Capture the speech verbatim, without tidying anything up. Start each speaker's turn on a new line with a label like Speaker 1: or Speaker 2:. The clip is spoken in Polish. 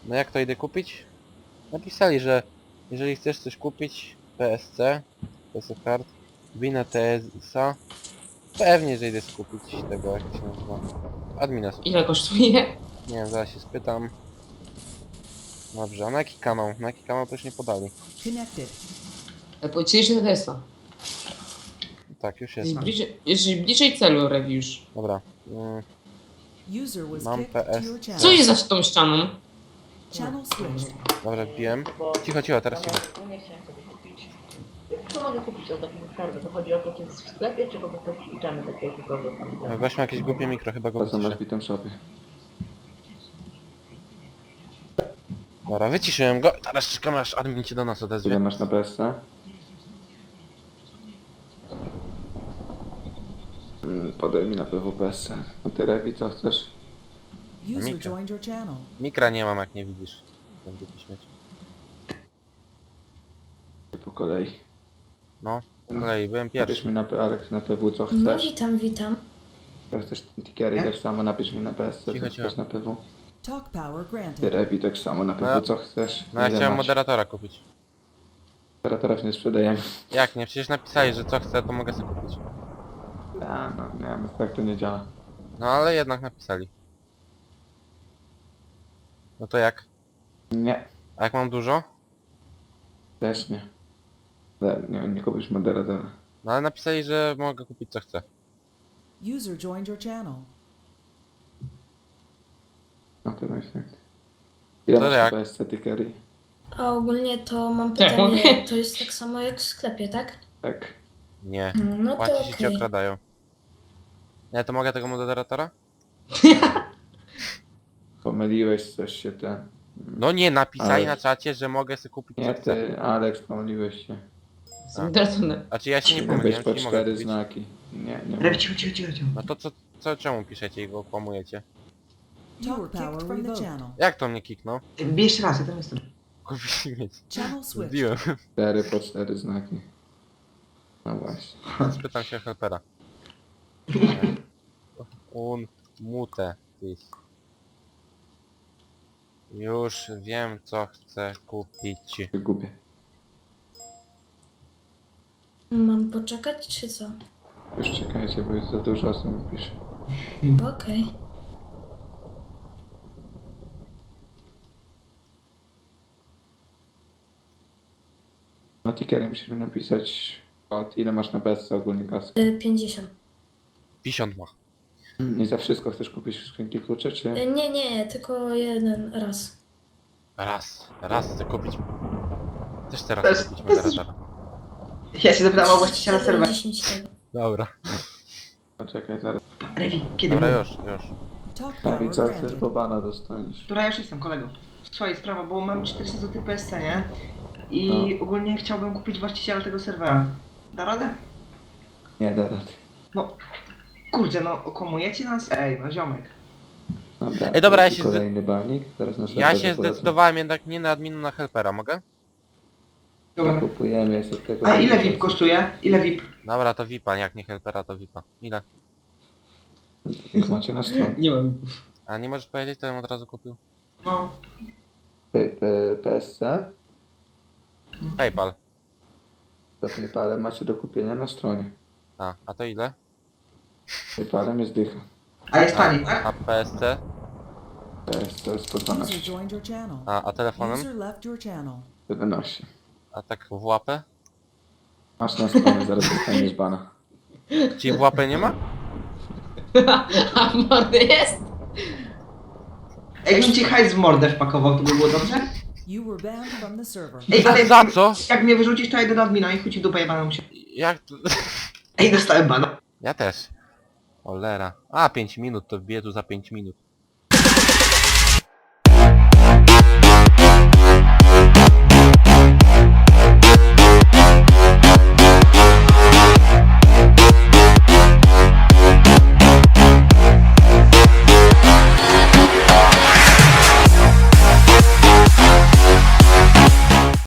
Speaker 1: No jak to idę kupić? Napisali, że jeżeli chcesz coś kupić P S C, P S Card, wina T S A, pewnie, że idę skupić tego, jak to się nazywa. Admina sobie.
Speaker 2: Ile kosztuje?
Speaker 1: Nie wiem, zaraz się spytam. Dobrze, a na jaki kanał? Na jaki kanał też nie podali.
Speaker 2: Powiedzieli, że to Tesla.
Speaker 1: Tak, już
Speaker 2: Jesteś
Speaker 1: jest.
Speaker 2: bliżej, jesteś bliżej celu, Rewiusz.
Speaker 1: Dobra. Mm,
Speaker 3: User was
Speaker 1: Mam
Speaker 3: kicked
Speaker 1: P S.
Speaker 3: to your channel.
Speaker 2: Co jest za tą ścianą?
Speaker 3: Channel switched.
Speaker 1: dobra, wbiłem. Cicho, cicho, teraz cicho.
Speaker 4: No nie chciałem sobie kupić. Co mogę kupić od takiego skarbu? To chodzi o to, czy jest w sklepie, czy po prostu wliczamy takie jakiegoś tam.
Speaker 1: Weźmy jakieś głupie mikro, chyba go
Speaker 5: To są na
Speaker 1: wyciszę.
Speaker 5: zbitym shopie.
Speaker 1: Dobra, wyciszyłem go. Teraz czekam, aż admin cię do nas
Speaker 5: Ile
Speaker 1: odezwie.
Speaker 5: masz na P S C? Mm, Podaj mi na P W P S C. A ty Rewi, co chcesz?
Speaker 3: User
Speaker 1: Mika.
Speaker 3: joined your channel.
Speaker 1: Mikra nie mam, jak nie widzisz. Będę tu śmieć.
Speaker 5: Po kolei.
Speaker 1: No, po kolei, byłem
Speaker 5: Napisz
Speaker 1: pierwszy.
Speaker 5: mi na P, Alex, na P W co
Speaker 6: No
Speaker 5: chcesz.
Speaker 6: witam, witam.
Speaker 5: Jak chcesz Tikiery, tak samo napisz mi na P S C,
Speaker 1: Cicho,
Speaker 5: co
Speaker 1: cicho.
Speaker 5: chcesz na P W.
Speaker 3: Talk power
Speaker 5: Ty
Speaker 3: granted.
Speaker 5: Rewi, tak samo na P W
Speaker 1: No,
Speaker 5: co chcesz.
Speaker 1: No ja
Speaker 5: Ile
Speaker 1: chciałem
Speaker 5: masz?
Speaker 1: moderatora kupić.
Speaker 5: Moderatorów nie sprzedajemy.
Speaker 1: Jak nie? Przecież napisali, że co chcę, to mogę sobie kupić.
Speaker 5: A, no nie wiem, tak to nie działa.
Speaker 1: No ale jednak napisali. No to jak?
Speaker 5: Nie,
Speaker 1: A jak mam dużo?
Speaker 5: też nie. Nie, nie, nie kupisz moderatora.
Speaker 1: No ale napisali, że mogę kupić co chcę.
Speaker 3: User joined your channel.
Speaker 5: No to myślę. Ile
Speaker 1: To
Speaker 5: masz na
Speaker 1: jak?
Speaker 5: P S C Tikiery?
Speaker 6: A ogólnie to mam
Speaker 2: Tak,
Speaker 6: pytanie,
Speaker 2: mogę.
Speaker 6: to jest tak samo jak w sklepie, tak?
Speaker 5: Tak.
Speaker 1: Nie.
Speaker 6: No to
Speaker 1: Płacisz i cię
Speaker 6: okej.
Speaker 1: okradają. Nie, to mogę tego moderatora?
Speaker 5: Pomyliłeś coś się ten.
Speaker 1: No nie, napisali
Speaker 5: Ale-
Speaker 1: na czacie, że mogę sobie kupić
Speaker 5: Nie
Speaker 1: co chcę.
Speaker 5: ty, Alex, pomyliłeś się.
Speaker 2: Zdradzone.
Speaker 1: Znaczy ja się nie
Speaker 5: Być
Speaker 1: pomyliłem,
Speaker 5: po
Speaker 1: czyli mogę
Speaker 5: cztery
Speaker 1: kupić.
Speaker 5: znaki. Nie, nie.
Speaker 4: Rewi, cicho, cicho, cicho, cicho.
Speaker 1: No to co, co czemu piszecie i go okłamujecie?
Speaker 3: You were kicked from the channel.
Speaker 1: Jak to mnie kiknął?
Speaker 4: Bij jeszcze raz, ja tam jestem.
Speaker 1: Kupić mieć.
Speaker 3: Channel switched.
Speaker 1: Zbiłem.
Speaker 5: Cztery po cztery znaki. No właśnie.
Speaker 1: Spytam się helpera. Un mute this. Już wiem co chcę kupić.
Speaker 5: Gubię.
Speaker 6: Mam poczekać, czy co?
Speaker 5: Już czekajcie, bo jest za dużo osób mi pisze.
Speaker 6: Okej.
Speaker 5: No tickerem musimy napisać od ile masz na P S C ogólnie kasy.
Speaker 6: Y, pięćdziesiąt.
Speaker 1: pięćdziesiąt ma.
Speaker 5: Nie za wszystko chcesz kupić skrzynki klucze, czy...
Speaker 6: Y, Nie, nie, tylko jeden raz.
Speaker 1: Raz, raz chcę kupić. Też teraz
Speaker 4: To
Speaker 1: chcę
Speaker 4: jest-
Speaker 1: kupić
Speaker 4: to jest-
Speaker 1: moderatora.
Speaker 4: Ja się zapytałem o właściciela serwera.
Speaker 6: dziesięć tego.
Speaker 1: Dobra.
Speaker 5: Poczekaj zaraz.
Speaker 4: Rewi, kiedy
Speaker 1: Dobra
Speaker 4: był?
Speaker 1: już, już.
Speaker 3: Talk
Speaker 5: No i
Speaker 3: power
Speaker 5: co chcesz,
Speaker 3: granted.
Speaker 5: bo bana dostaniesz.
Speaker 4: Która ja już jestem, kolego. Słuchaj, sprawa, bo mam czterysta złotych P S C, nie? I
Speaker 5: No.
Speaker 4: ogólnie chciałbym kupić właściciela tego serwera. Da radę?
Speaker 5: Nie, da rady.
Speaker 4: No, kurde, no, okłamujecie nas? Ej, no ziomek.
Speaker 5: Dobra,
Speaker 1: Ej, dobra, ja
Speaker 5: to
Speaker 1: się
Speaker 5: kolejny banik, teraz na
Speaker 1: Ja
Speaker 5: serwerze
Speaker 1: się
Speaker 5: polecam.
Speaker 1: zdecydowałem jednak nie na adminu, na helpera, mogę?
Speaker 4: Dobra.
Speaker 5: Kupujemy jeszcze tego...
Speaker 4: A ile V I P kosztuje? Ile V I P?
Speaker 1: Dobra, to V I P-a, jak nie helpera, to V I P-a. Ile?
Speaker 5: Jak macie na stronie.
Speaker 2: Nie wiem.
Speaker 1: A nie możesz powiedzieć, to bym od razu kupił?
Speaker 4: No.
Speaker 5: P- P- P S C?
Speaker 1: PayPal.
Speaker 5: To PayPalem macie do kupienia na stronie.
Speaker 1: A, a to ile?
Speaker 5: PayPalem jest dycha.
Speaker 4: A jest
Speaker 1: A,
Speaker 4: taniej, tak?
Speaker 1: a P S C?
Speaker 5: P S C jest po
Speaker 3: User
Speaker 5: dwanaście.
Speaker 3: joined your channel.
Speaker 1: A, a telefonem?
Speaker 3: User left your channel.
Speaker 5: jedenaście.
Speaker 1: A tak w łapę?
Speaker 5: Masz na stronie, zaraz dostaniesz bana.
Speaker 1: Czyli w łapę nie ma?
Speaker 2: A mordy jest?
Speaker 4: Jakbym ci hajs w mordę wpakował, to by było dobrze?
Speaker 3: You were banned from the server.
Speaker 4: Ej, ale
Speaker 1: Za co?
Speaker 4: jak mnie wyrzucisz, to ja idę do admina i chuj ci w dupę jebaną się.
Speaker 1: Jak to?
Speaker 4: Ej, dostałem bana.
Speaker 1: Ja też. Olera. A, pięć minut, to wbiję tu za pięć minut.